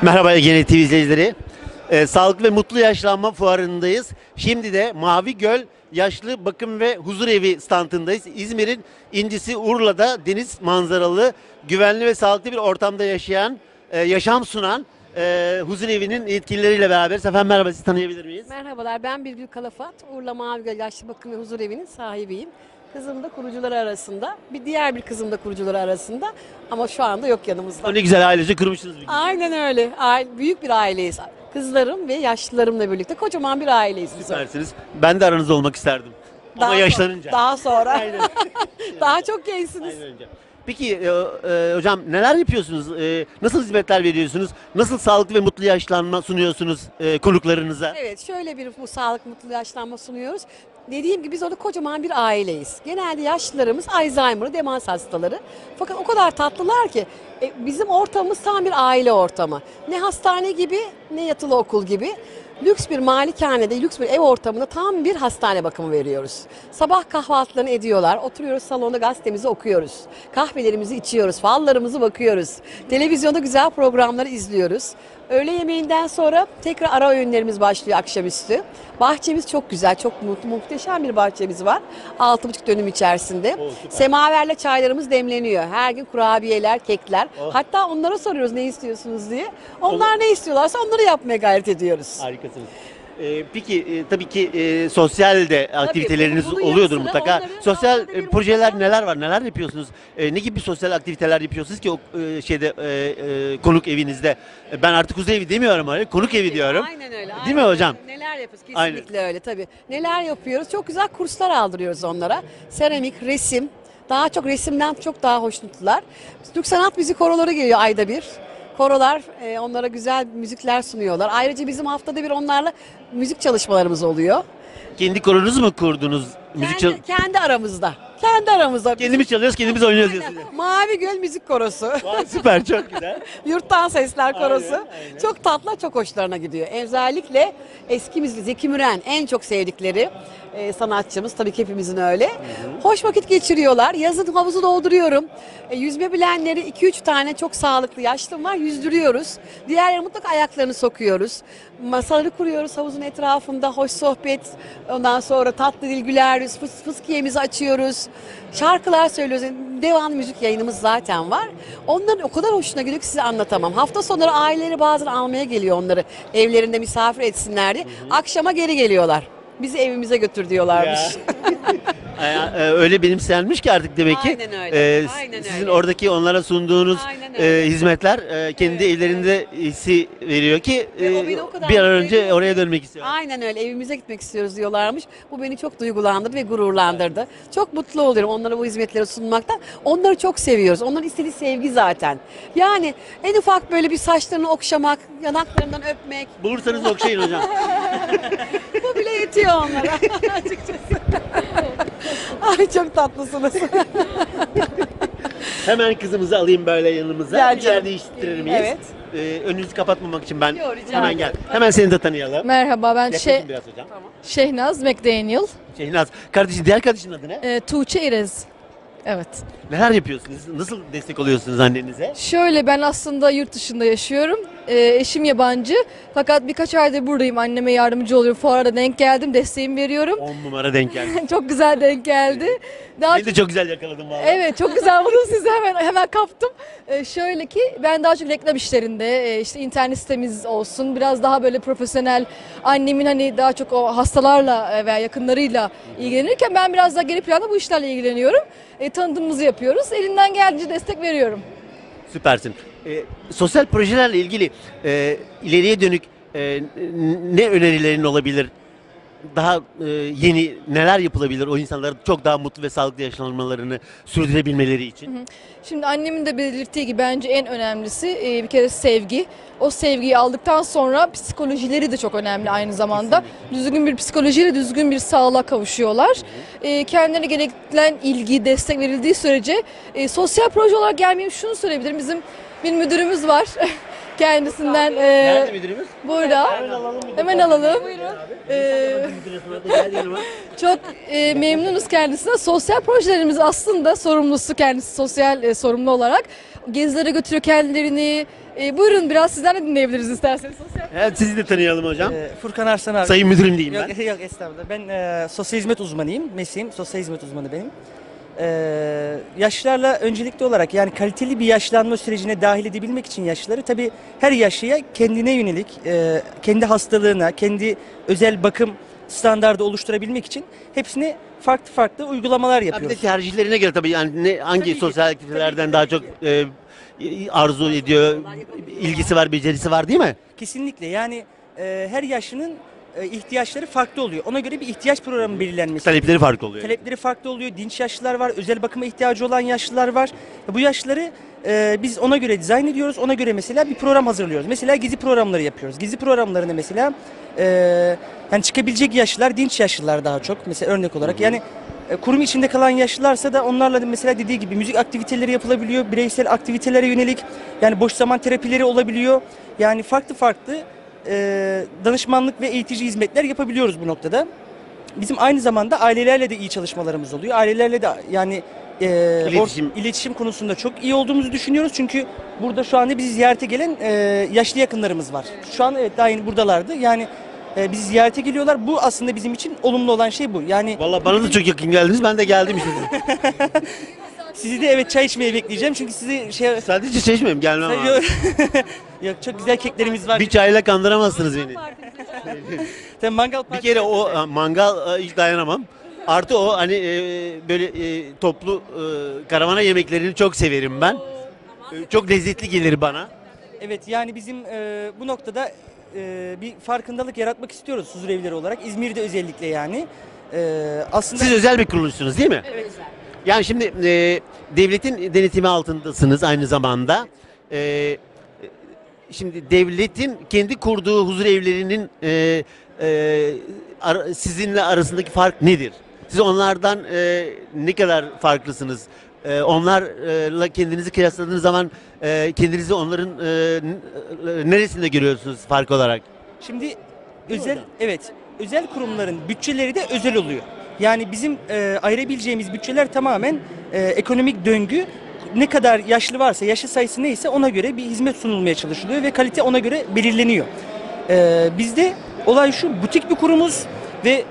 Merhaba Ege TV izleyicileri. Sağlıklı ve Mutlu Yaşlanma Fuarı'ndayız. Şimdi de Mavi Göl Yaşlı Bakım ve Huzur Evi standındayız. İzmir'in incisi Urla'da deniz manzaralı, güvenli ve sağlıklı bir ortamda yaşayan, yaşam sunan Huzur Evi'nin yetkilileriyle beraberiz. Efendim merhaba, sizi tanıyabilir miyiz? Merhabalar, ben Birgül Kalafat. Urla Mavi Göl Yaşlı Bakım ve Huzur Evi'nin sahibiyim. Kızım da kurucuları arasında, diğer bir kızım da kurucuları arasında ama şu anda yok yanımızda. O ne güzel, ailece kurmuşsunuz. Aynen öyle. Büyük bir aileyiz. Kızlarım ve yaşlılarımla birlikte kocaman bir aileyiz biz. Süpersiniz. Ben de aranızda olmak isterdim. Ama yaşlanınca. Daha sonra. Daha çok gençsiniz. Aynen öyle. Peki hocam neler yapıyorsunuz? Nasıl hizmetler veriyorsunuz? Nasıl sağlıklı ve mutlu yaşlanma sunuyorsunuz konuklarınıza? Evet, şöyle bir bu sağlık mutlu yaşlanma sunuyoruz. Dediğim gibi biz orada kocaman bir aileyiz. Genelde yaşlılarımız Alzheimer'ı, demans hastaları. Fakat o kadar tatlılar ki bizim ortamımız tam bir aile ortamı. Ne hastane gibi ne yatılı okul gibi. Lüks bir malikanede, lüks bir ev ortamında tam bir hastane bakımı veriyoruz. Sabah kahvaltılarını ediyorlar, oturuyoruz salonda gazetemizi okuyoruz. Kahvelerimizi içiyoruz, fallarımızı bakıyoruz. Televizyonda güzel programları izliyoruz. Öğle yemeğinden sonra tekrar ara öğünlerimiz başlıyor akşamüstü. Bahçemiz çok güzel, çok muhteşem bir bahçemiz var. 6,5 dönüm içerisinde. Semaverle çaylarımız demleniyor. Her gün kurabiyeler, kekler. Hatta onlara soruyoruz ne istiyorsunuz diye. Onlar ne istiyorlarsa onları yapmaya gayret ediyoruz. Harikasınız. Peki tabii ki sosyal de aktiviteleriniz bunun oluyordur yanı sıra mutlaka. onların Sosyal haftada bir projeler mutlaka- neler var? Neler yapıyorsunuz? Ne gibi sosyal aktiviteler yapıyorsunuz ki o konuk evinizde? Ben artık huzur evi demiyorum öyle. Konuk evi diyorum. Aynen öyle. Değil aynen mi hocam? öyle. Neler yapıyoruz? Aynen. Kesinlikle öyle tabii. Neler yapıyoruz? Çok güzel kurslar aldırıyoruz onlara. Seramik, resim. Daha çok resimden çok daha hoşnutlar. Türk sanat müzik koroları geliyor ayda bir. Korolar onlara güzel müzikler sunuyorlar. Ayrıca bizim haftada bir onlarla müzik çalışmalarımız oluyor. Kendi koronuzu mu kurdunuz? Kendi aramızda. Kendi aramızda. Kendimiz çalıyoruz, kendimiz oynuyoruz diyorsunuz. Mavi Göl Müzik Korosu. Vay, süper, çok güzel. Yurttan Sesler Korosu. Aynen. Çok tatlı, çok hoşlarına gidiyor. Özellikle eski müzik, Zeki Müren en çok sevdikleri sanatçımız. Tabii ki hepimizin öyle. Hoş vakit geçiriyorlar. Yazın havuzu dolduruyorum. Yüzme bilenleri 2-3 tane çok sağlıklı yaşlım var. Yüzdürüyoruz. Diğerleri mutlaka ayaklarını sokuyoruz. Masaları kuruyoruz havuzun etrafında. Hoş sohbet. Ondan sonra tatlı dil güler yüz. Fıskiyemizi açıyoruz. Şarkılar söylüyoruz. Devamlı müzik yayınımız zaten var. Onların o kadar hoşuna gidiyor ki size anlatamam. Hafta sonları aileleri bazen almaya geliyor onları. Evlerinde misafir etsinler diye. Akşama geri geliyorlar. Bizi evimize götür diyorlarmış. Öyle benimsenmiş ki artık demek ki. Aynen öyle. Aynen sizin öyle. oradaki onlara sunduğunuz Aynen öyle. hizmetler kendi Evet, evlerinde hissi veriyor ki Ve o beni o kadar bir an mutlu önce ediyor oraya ki. dönmek istiyorum. Aynen öyle. Evimize gitmek istiyoruz diyorlarmış. Bu beni çok duygulandırdı ve gururlandırdı. Çok mutlu oluyorum onlara bu hizmetleri sunmaktan. Onları çok seviyoruz. Onların istediği sevgi zaten. Yani en ufak böyle bir saçlarını okşamak, yanaklarından öpmek. Bulursanız okşayın hocam. Bu bile yetiyor onlara açıkçası. Ay çok tatlısınız. Hemen kızımızı alayım böyle yanımıza. Gel Bir yer canım. değiştirir miyiz? Evet. Önünüzü kapatmamak için ben Yok, rica hemen ederim. gel. Hemen seni de tanıyalım. Merhaba, ben Yaklaşın biraz hocam. Şehnaz McDaniel. Şehnaz. Kardeşin, diğer kardeşin adı ne? Tuğçe İrez. Evet. Neler yapıyorsunuz? Nasıl destek oluyorsunuz annenize? Şöyle, ben aslında yurt dışında yaşıyorum. Eşim yabancı. Fakat birkaç aydır buradayım. Anneme yardımcı oluyorum. Fuara denk geldim. Desteğimi veriyorum. 10 numara denk geldi. Çok güzel denk geldi. Daha Beni de çok güzel yakaladım valla. Evet, çok güzel buldum sizi, hemen kaptım. Şöyle ki ben daha çok reklam işlerinde, işte internet sitemiz olsun, biraz daha böyle profesyonel, annemin hani daha çok o hastalarla veya yakınlarıyla ilgilenirken ben biraz daha geri planda bu işlerle ilgileniyorum. Tanıtımımızı yapıyoruz. Elinden geldiğince destek veriyorum. Süpersin. Sosyal projelerle ilgili ileriye dönük ne önerilerin olabilir? Daha yeni neler yapılabilir o insanların çok daha mutlu ve sağlıklı yaşlanmalarını sürdürebilmeleri için? Şimdi annemin de belirttiği gibi bence en önemlisi bir kere sevgi. O sevgiyi aldıktan sonra psikolojileri de çok önemli aynı zamanda. Düzgün bir psikolojiyle düzgün bir sağlığa kavuşuyorlar. Kendilerine gereken ilgi, destek verildiği sürece sosyal proje olarak gelmeyeyim şunu söyleyebilirim. Bizim bir müdürümüz var. kendisinden. Nerede müdürümüz? Burada. Hemen alalım. Gel yanıma. Çok memnunuz kendisine. Sosyal projelerimiz aslında sorumlusu kendisi sosyal sorumlu olarak. Gezilere götürüyor kendilerini. Buyurun biraz sizden de dinleyebiliriz isterseniz. Sosyal. Evet, sizi de tanıyalım hocam. Furkan Arslan abi. Sayın müdürüm diyeyim ben. Yok estağfurullah. Ben sosyal hizmet uzmanıyım. Mesleğim sosyal hizmet uzmanı benim. Yaşlılarla öncelikli olarak yani kaliteli bir yaşlanma sürecine dahil edebilmek için yaşlıları tabii her yaşlıya kendine yönelik, kendi hastalığına, kendi özel bakım standardı oluşturabilmek için hepsine farklı farklı uygulamalar Ya bir de yapıyoruz. tercihlerine göre tabii yani hangi Tabii ki, sosyal aktivitelerden daha çok arzu ediyor, ilgisi var, becerisi var değil mi? Kesinlikle yani her yaşlının ihtiyaçları farklı oluyor. Ona göre bir ihtiyaç programı belirlenmesi. Talepleri farklı oluyor. Talepleri farklı oluyor. Dinç yaşlılar var, özel bakıma ihtiyacı olan yaşlılar var. Bu yaşlıları biz ona göre dizayn ediyoruz. Ona göre mesela bir program hazırlıyoruz. Mesela gezi programları yapıyoruz. Gezi programlarında mesela hani çıkabilecek yaşlılar, dinç yaşlılar daha çok. Mesela örnek olarak yani kurum içinde kalan yaşlılarsa da onlarla da mesela dediği gibi müzik aktiviteleri yapılabiliyor. Bireysel aktivitelere yönelik yani boş zaman terapileri olabiliyor. Yani farklı farklı danışmanlık ve eğitici hizmetler yapabiliyoruz bu noktada. Bizim aynı zamanda ailelerle de iyi çalışmalarımız oluyor. Ailelerle de yani iletişim konusunda çok iyi olduğumuzu düşünüyoruz. Çünkü burada şu anda bizi ziyarete gelen yaşlı yakınlarımız var. Şu an evet daha yeni buradalardı. Yani bizi ziyarete geliyorlar. Bu aslında bizim için olumlu olan şey bu. Yani Vallahi bana da çok yakın geldiniz. Ben de geldim işte. sizi de evet çay içmeye bekleyeceğim. Çünkü sizi Sadece çeşmeyim, gelmem abi. Yok çok güzel keklerimiz var. Bir çayla kandıramazsınız beni. Tabii mangal Bir partisi. kere o mangal hiç dayanamam. Artı o hani böyle toplu karavana yemeklerini çok severim ben. Çok lezzetli gelir bana. Evet yani bizim bu noktada bir farkındalık yaratmak istiyoruz huzurevleri olarak. İzmir'de özellikle yani. Aslında Siz özel bir kuruluşsunuz değil mi? evet. Yani şimdi devletin denetimi altındasınız aynı zamanda. Şimdi devletin kendi kurduğu huzur evlerinin sizinle arasındaki fark nedir? Siz onlardan ne kadar farklısınız? Onlarla kendinizi kıyasladığınız zaman kendinizi onların neresinde görüyorsunuz fark olarak? Şimdi özel kurumların bütçeleri de özel oluyor. Yani bizim ayırabileceğimiz bütçeler tamamen ekonomik döngü. Ne kadar yaşlı varsa, yaşlı sayısı neyse ona göre bir hizmet sunulmaya çalışılıyor ve kalite ona göre belirleniyor. Bizde olay şu, butik bir kurumuz ve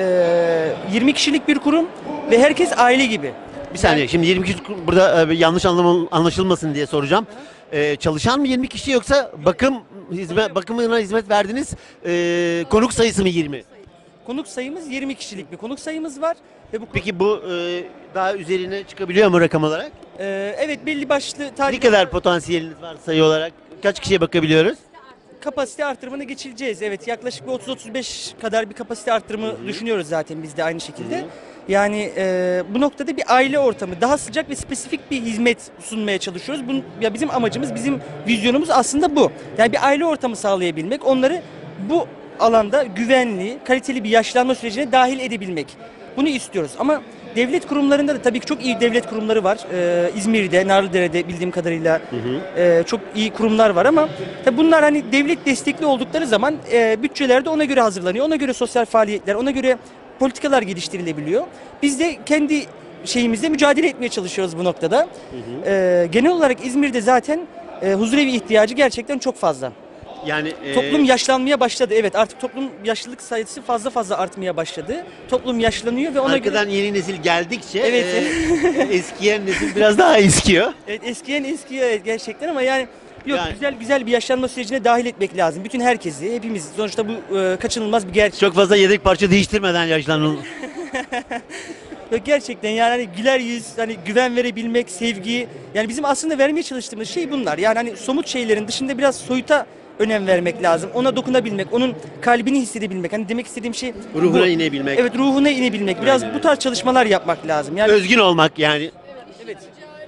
20 kişilik bir kurum ve herkes aile gibi. Bir saniye, şimdi 20 kişi burada yanlış anlaşılmasın diye soracağım. Çalışan mı 20 kişi yoksa bakımına hizmet verdiniz, konuk sayısı mı 20? Konuk sayımız 20 kişilik bir konuk sayımız var. Ve Peki bu daha üzerine çıkabiliyor mu rakam olarak? evet belli başlı Ne kadar potansiyeliniz var sayı olarak? Kaç kişiye bakabiliyoruz? kapasite artırımına geçileceğiz. Evet yaklaşık bir 30-35 kadar bir kapasite artırımı düşünüyoruz zaten biz de aynı şekilde. Yani bu noktada bir aile ortamı, daha sıcak ve spesifik bir hizmet sunmaya çalışıyoruz. Ya bizim amacımız, bizim vizyonumuz aslında bu. Yani bir aile ortamı sağlayabilmek, onları bu alanda güvenli, kaliteli bir yaşlanma sürecine dahil edebilmek. Bunu istiyoruz ama devlet kurumlarında da tabii ki çok iyi devlet kurumları var. İzmir'de, Narlıdere'de bildiğim kadarıyla çok iyi kurumlar var ama tabii bunlar hani devlet destekli oldukları zaman bütçeler de ona göre hazırlanıyor. Ona göre sosyal faaliyetler, ona göre politikalar geliştirilebiliyor. Biz de kendi şeyimizde mücadele etmeye çalışıyoruz bu noktada. Genel olarak İzmir'de zaten huzurevi ihtiyacı gerçekten çok fazla. Yani Toplum yaşlanmaya başladı. Evet artık toplum yaşlılık sayısı fazla artmaya başladı. Toplum yaşlanıyor ve ona arkadan göre yeni nesil geldikçe Evet. eskiyen nesil biraz daha eskiyor. evet, eskiyor evet, gerçekten ama yani yok Yani- güzel bir yaşlanma sürecine dahil etmek lazım. Bütün herkesi, hepimiz sonuçta bu kaçınılmaz bir gerçek. Çok fazla yedek parça değiştirmeden yaşlanın. Yok, gerçekten yani hani güler yüz, hani güven verebilmek, sevgi. Yani bizim aslında vermeye çalıştığımız şey bunlar. Yani hani somut şeylerin dışında biraz soyuta önem vermek lazım. Ona dokunabilmek, onun kalbini hissedebilmek. Hani demek istediğim şey Ruhuna bu. inebilmek. Evet, ruhuna inebilmek. Biraz Aynen bu tarz çalışmalar yapmak lazım. Yani Özgün olmak yani. evet.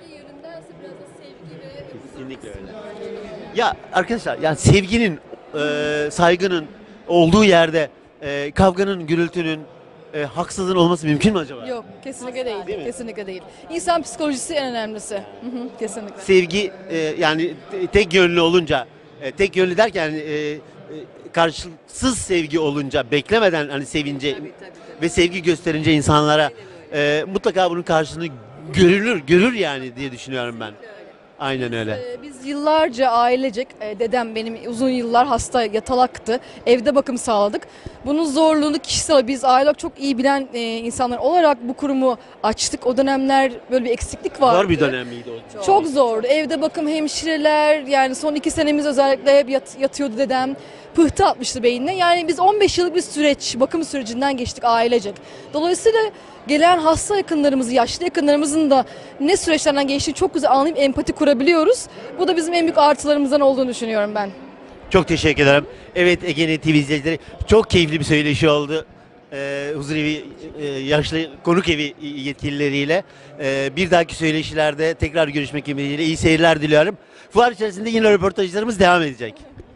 Kesinlikle öyle. Ya arkadaşlar, yani sevginin, saygının olduğu yerde kavganın, gürültünün, haksızlığın olması mümkün mü acaba? Yok kesinlikle değil. Değil mi? Kesinlikle değil. İnsan psikolojisi en önemlisi. Kesinlikle. Sevgi yani tek yönlü olunca Tek yönlü derken karşılıksız sevgi olunca, beklemeden hani sevince ve sevgi gösterince insanlara mutlaka bunun karşılığını görür yani diye düşünüyorum ben. Aynen öyle. Biz yıllarca ailecek, dedem benim uzun yıllar hasta yatalaktı. Evde bakım sağladık. Bunun zorluğunu kişisel, biz aile çok iyi bilen insanlar olarak bu kurumu açtık. O dönemler böyle bir eksiklik vardı. Zor bir dönem miydi o? Çok zordu. Evde bakım hemşireler, yani son 2 senemiz özellikle hep yatıyordu dedem. Pıhtı atmıştı beynine. Yani biz 15 yıllık bir süreç, bakım sürecinden geçtik ailecek. Dolayısıyla gelen hasta yakınlarımızı, yaşlı yakınlarımızın da ne süreçlerden geçtiğini çok güzel anlayıp empati kurabiliyoruz. Bu da bizim en büyük artılarımızdan olduğunu düşünüyorum ben. Çok teşekkür ederim. Evet, Ege TV izleyicileri, çok keyifli bir söyleşi oldu. Huzurevi yaşlı konuk evi yetkilileriyle. Bir dahaki söyleşilerde tekrar görüşmek ümidiyle iyi seyirler diliyorum. Fuar içerisinde yine röportajlarımız devam edecek.